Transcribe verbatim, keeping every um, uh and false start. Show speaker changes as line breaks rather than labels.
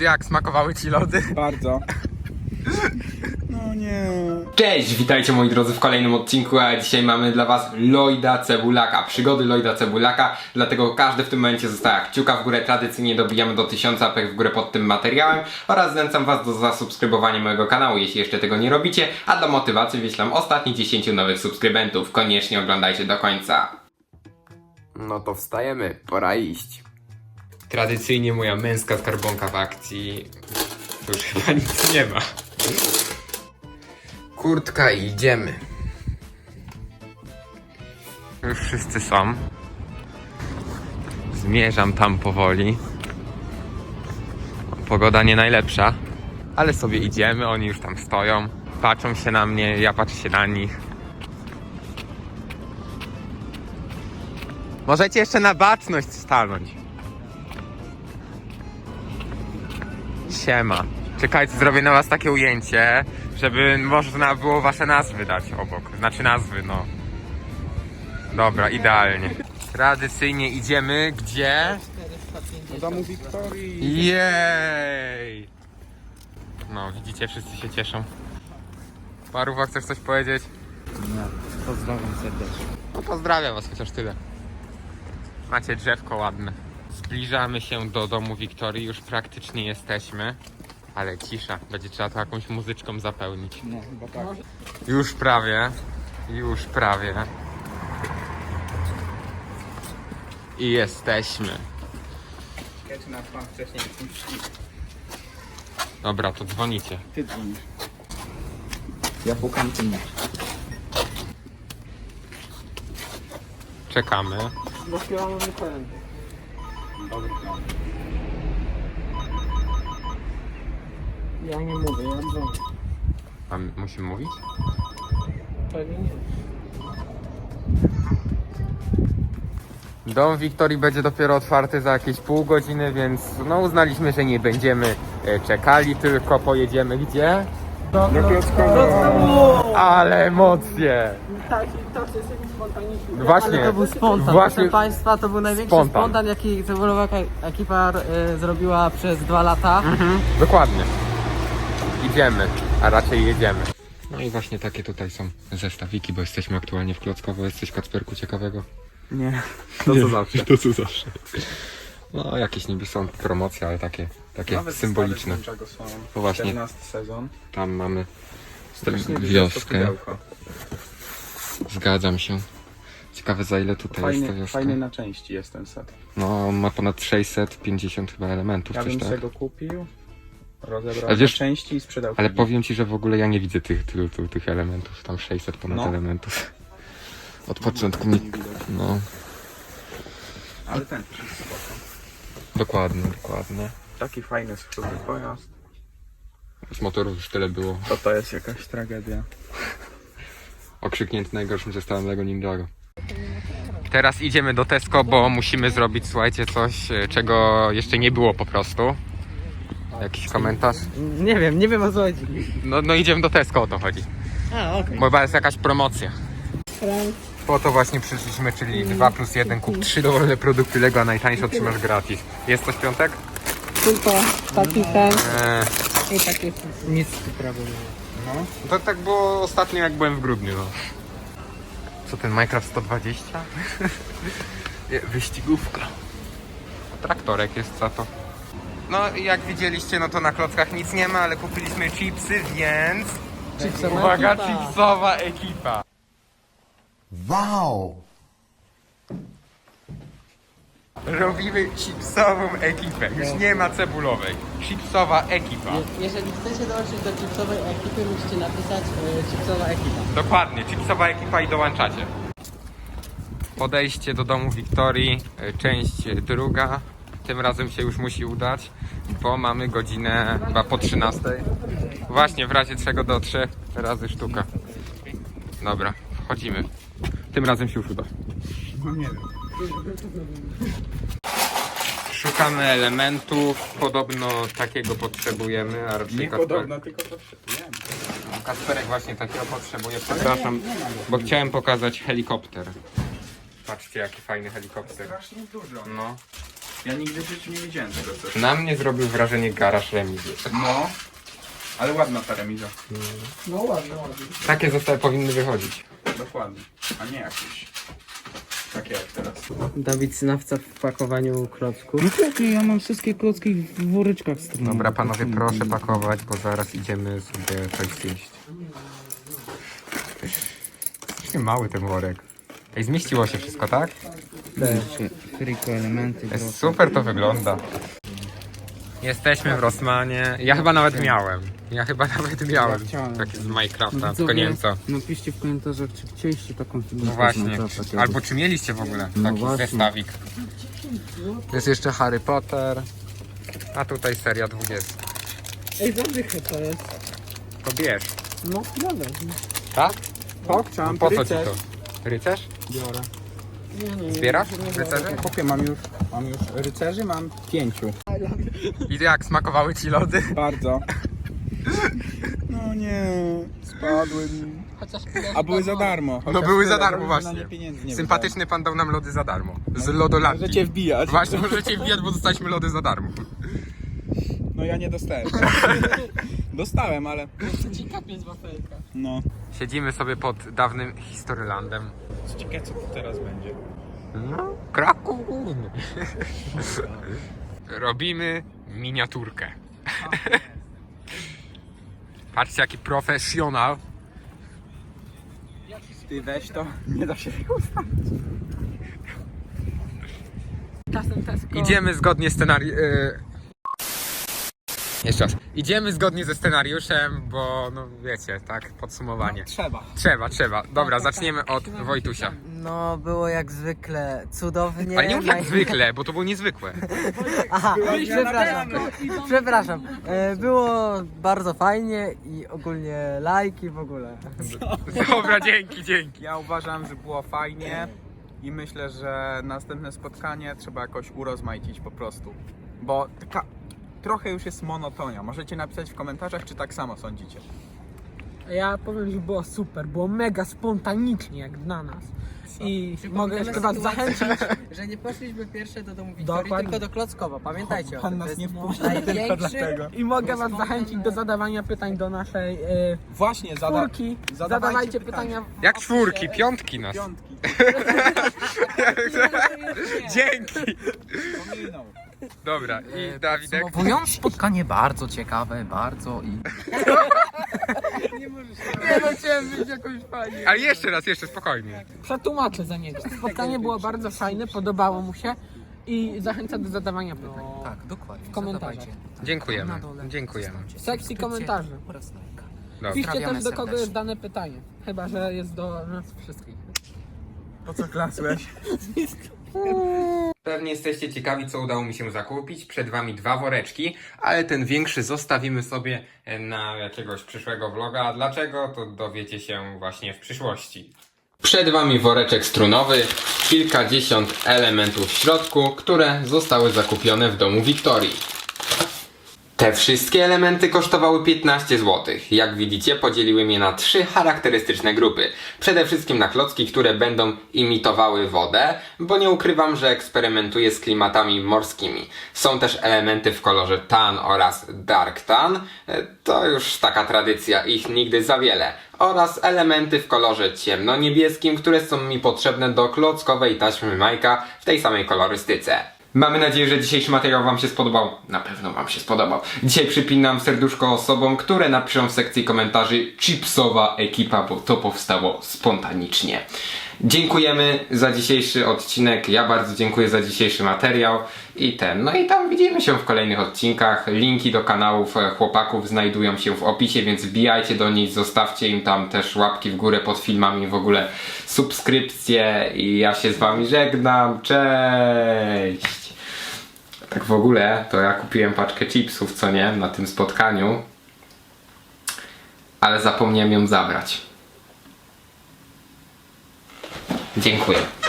Jak smakowały ci lody?
Bardzo. No nie.
Cześć, witajcie moi drodzy w kolejnym odcinku, a dzisiaj mamy dla was Lloyda Cebulaka, przygody Lloyda Cebulaka, dlatego każdy w tym momencie zostawia kciuka w górę, tradycyjnie dobijamy do tysiąca łapek w górę pod tym materiałem oraz zachęcam was do zasubskrybowania mojego kanału, jeśli jeszcze tego nie robicie, a dla motywacji wyślam ostatnich dziesięciu nowych subskrybentów, koniecznie oglądajcie do końca. No to wstajemy, pora iść. Tradycyjnie moja męska skarbonka w akcji, tu już chyba nic nie ma. Kurtka i idziemy. Już wszyscy są. Zmierzam tam powoli. Pogoda nie najlepsza, ale sobie idziemy, oni już tam stoją. Patrzą się na mnie, ja patrzę się na nich. Możecie jeszcze na baczność stanąć. Siema. Czekajcie, zrobię na was takie ujęcie, żeby można było wasze nazwy dać obok. Znaczy nazwy, no. Dobra, idealnie. Tradycyjnie idziemy gdzie?
Do domu Wiktorii.
Jej! No, widzicie, wszyscy się cieszą. Paruwa, chcesz coś powiedzieć?
Nie, pozdrawiam serdecznie.
No pozdrawiam was, chociaż tyle. Macie drzewko ładne. Zbliżamy się do domu Wiktorii, już praktycznie jesteśmy. Ale cisza, będzie trzeba to jakąś muzyczką zapełnić.
No, chyba tak.
Już prawie, już prawie. I jesteśmy.
Czekajcie na pan wcześniej.
Dobra, to dzwonicie.
Ty dzwonisz. Ja pukam, ty nie.
Czekamy.
Bo śpiewamy nie powiem. Dobry plan. Ja nie mówię, ja dzwonię.
A musimy mówić?
Pewnie nie.
Dom Wiktorii będzie dopiero otwarty za jakieś pół godziny, więc no uznaliśmy, że nie będziemy e, czekali, tylko pojedziemy gdzie?
Do Klockowa.
Ale emocje!
Tak, tak, to jest jakiś spontaniczny.
Właśnie,
Ale to był spontan,
właśnie
proszę Państwa, to był największy
spontan.
spontan, jaki Cebulowaka ekipa y, zrobiła przez dwa lata.
Mhm, dokładnie. Idziemy, a raczej jedziemy. No i właśnie takie tutaj są zestawiki, bo jesteśmy aktualnie w Klockowo. Jest coś, Kacperku, ciekawego?
Nie. To co zawsze.
To co zawsze. No jakieś niby są promocje, ale takie, takie
Nawet
symboliczne.
stare czego są.
To właśnie.
czternasty sezon.
Tam mamy
Strasznie
wioskę.
pudełko.
Zgadzam się. Ciekawe za ile tutaj jest ta
Fajny,
wioska.
fajny na części jest ten set.
No on ma ponad sześćset pięćdziesiąt chyba elementów,
Ja
coś
bym
tak.
sobie go kupił, rozebrał
Ale wiesz-
na części i sprzedał.
Ale
później.
powiem ci, że w ogóle ja nie widzę tych, tylu, tylu, tych elementów. Tam sześćset ponad
No.
elementów. Od początku mi... No,
Ale ten też jest spoko.
dokładnie, dokładnie.
Taki fajny skrótny pojazd.
Z motorów już tyle było.
To to jest jakaś tragedia.
Okrzyknięty najgorszym zestawem Lego Ninjago. Teraz idziemy do Tesco, bo musimy zrobić, słuchajcie, coś, e, czego jeszcze nie było po prostu. Jakiś komentarz?
Nie wiem, nie wiem o co chodzi.
No, no idziemy do Tesco, o to chodzi.
A, okej.
Bo chyba jest jakaś promocja. Po to właśnie przyszliśmy, czyli dwa plus jeden, kup trzy dowolne produkty Lego, a najtańsze otrzymasz gratis. Jest coś piątek?
Tylko taki ten
Eee,
i taki nic prawie nie.
No.
to tak było ostatnio, jak byłem w grudniu, no. Co ten Minecraft sto dwadzieścia? Nie, wyścigówka. Traktorek jest za to. No i jak widzieliście, no to na klockach nic nie ma, ale kupiliśmy chipsy, więc...
Chipsowa
Uwaga,
ekipa.
chipsowa ekipa.
Wow!
Robimy chipsową ekipę. Już nie ma cebulowej. Chipsowa ekipa.
Jeżeli chcecie dołączyć do chipsowej ekipy, musicie napisać y, chipsowa ekipa.
Dokładnie, chipsowa ekipa i dołączacie. Podejście do domu Wiktorii, y, część druga. Tym razem się już musi udać, bo mamy godzinę chyba po trzynastej. Właśnie, w razie czego do trzech razy sztuka. Dobra, wchodzimy. Tym razem się już uda.
No nie wiem.
Szukamy elementów, podobno takiego potrzebujemy, a raczej
Nie
Kacper-
podobno, tylko potrzebujemy.
Kacperek właśnie takiego potrzebuje, przepraszam, bo chciałem pokazać helikopter. Patrzcie, jaki fajny helikopter.
Strasznie dużo.
No,
Ja nigdy w życiu nie widziałem tego coś.
Na mnie zrobił wrażenie garaż remizy.
No, ale ładna ta remiza.
No ładnie, ładnie.
Takie zestawy powinny wychodzić.
Dokładnie. A nie jakieś. Takie jak teraz.
Dawid Synawca w pakowaniu klocków.
No okej, ja mam wszystkie klocki w woreczkach strunowych.
Dobra panowie, proszę pakować, bo zaraz idziemy sobie coś zjeść. Strasznie mały ten worek. Ej, zmieściło się wszystko, tak?
Friko, elementy,
Jest super to wygląda. Jesteśmy w Rossmanie. Ja chyba nawet miałem. Ja chyba nawet miałem.
Ja chciałem.
Taki z Minecrafta,
No,
tylko nie wiem co.
Napiszcie w komentarzach, czy chcieliście taką figurkę.
No właśnie.
z Minecrafta kiedyś.
Albo czy mieliście w ogóle
No
taki
właśnie.
zestawik. Jest jeszcze Harry Potter. A tutaj seria dwudziesta.
Ej, zadychę to jest.
To bierz.
No, dobra.
Tak?
Pokczam,
Po co ci to? Rycerz?
Biorę.
Zbierasz rycerzy?
Chłopie, mam już, mam już rycerzy, mam pięciu.
I jak smakowały ci lody?
Bardzo. No nie, spadły mi.
Chociaż
A były za darmo.
No
Chociaż
były za
tyle,
darmo
że na nie
właśnie.
pieniędzy nie
Sympatyczny pan dał nam lody za darmo. Z
wydałem.
lodolandii.
Możecie wbijać.
Właśnie, możecie wbijać, bo dostaliśmy lody za darmo.
No ja nie dostałem. Dostałem, ale
ci kapie z wafelka.
no.
Siedzimy sobie pod dawnym Historylandem.
Ciekawe co tu teraz będzie.
No, Kraków Górny. Robimy miniaturkę. Patrzcie jaki profesjonal.
Ty weź to, nie da się
Czasem Tesco.
Idziemy zgodnie z scenariuszem. Jeszcze raz. Idziemy zgodnie ze scenariuszem, bo no wiecie, tak, podsumowanie.
Trzeba.
Trzeba, trzeba. Dobra, zaczniemy od Wojtusia.
No, było jak zwykle cudownie.
Ale nie mów jak
Naj-
zwykle, bo to było niezwykłe.
Aha, przepraszam. Przepraszam. E, Było bardzo fajnie i ogólnie lajki w ogóle.
Dobra, dzięki, dzięki.
Ja uważam, że było fajnie i myślę, że następne spotkanie trzeba jakoś urozmaicić po prostu. Bo taka trochę już jest monotonia. Możecie napisać w komentarzach, czy tak samo sądzicie.
Ja powiem, że było super, było mega spontanicznie jak dla nas. I mogę jeszcze was zachęcić.
Że nie poszliśmy pierwsze do domu Wiktorii,
Dokładnie.
tylko do Klockowa. Pamiętajcie o
Pan
tym.
nas
To
nie
jest
wpuścił tylko
największy-
dlatego.
I mogę was zachęcić do zadawania pytań do naszej e,
Właśnie, zada
czwórki.
zadawajcie
Zadawajcie
pytania.
pytania. w
Jak
opisie.
czwórki, piątki nas.
piątki.
Dzięki.
Pominął.
Dobra, i Dawidek.
Podsumowując, spotkanie bardzo ciekawe, bardzo i...
Nie no, chciałem być jakoś fajnie.
Ale jeszcze raz, jeszcze spokojnie.
Przetłumaczę za niego. Spotkanie było bardzo fajne, podobało mu się i zachęcam do zadawania pytań.
Tak, dokładnie.
W komentarzach.
Zadawajcie.
Dziękujemy,
Na dole
dziękujemy.
zostawcie
W sekcji
subskrypcję
komentarzy.
oraz lajka.
Dobra.
Piszcie
Pozdrawiamy
też do kogo
serdecznie.
jest dane pytanie. Chyba, że jest do nas wszystkich.
Po co klasłeś?
Pewnie jesteście ciekawi, co udało mi się zakupić. Przed wami dwa woreczki, ale ten większy zostawimy sobie na jakiegoś przyszłego vloga. A dlaczego, to dowiecie się właśnie w przyszłości. Przed wami woreczek strunowy, kilkadziesiąt elementów w środku, które zostały zakupione w domu Wiktorii. Te wszystkie elementy kosztowały piętnaście złotych. Jak widzicie, podzieliłem je na trzy charakterystyczne grupy. Przede wszystkim na klocki, które będą imitowały wodę, bo nie ukrywam, że eksperymentuję z klimatami morskimi. Są też elementy w kolorze tan oraz dark tan. E, To już taka tradycja, ich nigdy za wiele. Oraz elementy w kolorze ciemno-niebieskim, które są mi potrzebne do klockowej taśmy Majka w tej samej kolorystyce. Mamy nadzieję, że dzisiejszy materiał wam się spodobał. Na pewno wam się spodobał. Dzisiaj przypinam serduszko osobom, które napiszą w sekcji komentarzy chipsowa ekipa, bo to powstało spontanicznie. Dziękujemy za dzisiejszy odcinek. Ja bardzo dziękuję za dzisiejszy materiał. I ten, no i tam widzimy się w kolejnych odcinkach. Linki do kanałów e, chłopaków znajdują się w opisie, więc wbijajcie do nich, zostawcie im tam też łapki w górę pod filmami, w ogóle subskrypcje i ja się z wami żegnam. Cześć! Tak w ogóle, to ja kupiłem paczkę chipsów, co nie, na tym spotkaniu, ale zapomniałem ją zabrać. Dziękuję.